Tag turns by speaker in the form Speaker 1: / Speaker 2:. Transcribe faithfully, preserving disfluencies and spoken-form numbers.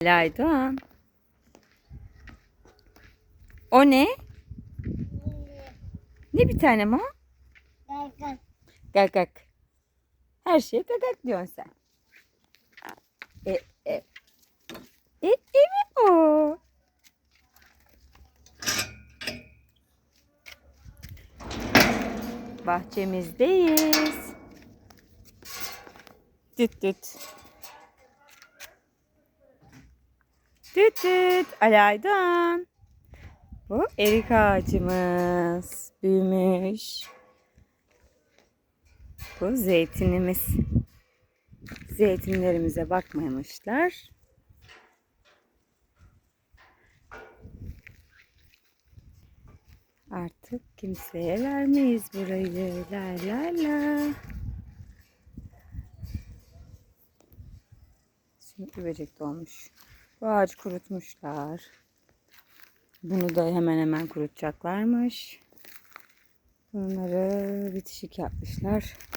Speaker 1: Laydoğan. O ne? Ne bir tanem o?
Speaker 2: Gagak.
Speaker 1: Gagak. Her şeye gagak diyorsun sen. E, e. E, e mi o? Bahçemizdeyiz. Düt düt. Düt düt. Alaydan. Bu erik ağacımız. Büyümüş. Bu zeytinimiz. Zeytinlerimize bakmamışlar. Artık kimseye vermeyiz burayı. La la la. Şimdi böcek dolmuş. Bu ağacı kurutmuşlar. Bunu da hemen hemen kurutacaklarmış. Bunları bitişik yapmışlar.